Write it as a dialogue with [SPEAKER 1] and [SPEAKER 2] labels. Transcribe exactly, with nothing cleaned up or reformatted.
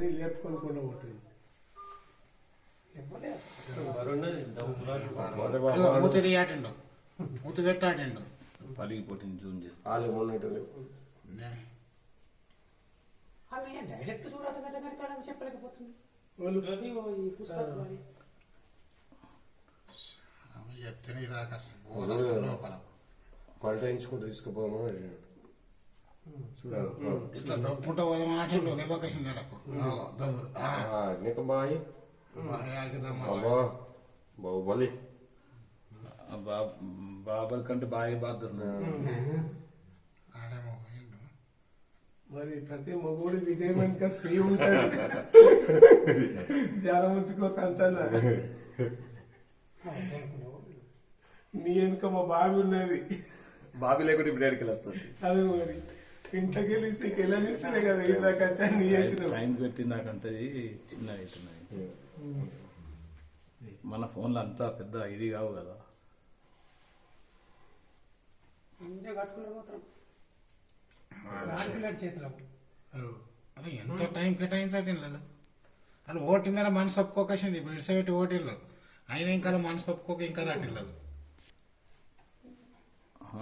[SPEAKER 1] అని లేపుకొని కూడా ఉంటుంది.
[SPEAKER 2] మూతి తీయాటండు మూతి పెట్టాటండు
[SPEAKER 3] పలిగిపోతుంది జూమ్ చేస్తా
[SPEAKER 4] వాళ్ళు మొన్నటి
[SPEAKER 5] డైరెక్ట్ చూడాలి చెప్పలేకపోతుంది.
[SPEAKER 2] చెప్తే దాకా లోపల
[SPEAKER 4] పల్టాయించుకుంటూ తీసుకుపోమని అడిగాడు.
[SPEAKER 2] ఇట్లా దొప్పుకుంటా పోదామన్నట్టు లేవకేషన్ నెలకు
[SPEAKER 4] నీకు బాయ్ అబ్బా బాహుబలి
[SPEAKER 3] బాబర్ కంటే బాగా బాధ
[SPEAKER 2] ఆడేమో పోయిండు.
[SPEAKER 1] మరి ప్రతి మగోడు విజయం వెనుక స్త్రీ ఉంటుంది. ధ్యానం ఉంచుకో సంతాన. నీ వెనుక మా బావి ఉన్నది.
[SPEAKER 4] బాబీ లేకుండా ఇప్పుడు ఏడుకెళ్ళి వస్తుంది.
[SPEAKER 1] అదే మరి ఇంట్లోకి వెళ్ళి నీకు వెళ్ళనిస్తేనే కదా ఇంటి దాకా నీ వేసిన
[SPEAKER 3] టైం పెట్టిందాకంటే చిన్న అవుతున్నాయి. మన ఫోన్లో అంతా పెద్ద ఇది కావు కదా.
[SPEAKER 5] చేతిలో
[SPEAKER 2] అరే ఎంత టైం కేటాయించండి ఇళ్ళు వాళ్ళు ఓటిందని మనసు ఒప్పుకోకేసింది. ఇప్పుడు ఇడిసబెట్టి ఓటిళ్ళు అయినా ఇంకా మనసు ఒప్పుకోక ఇంకా రాటిళ్ళు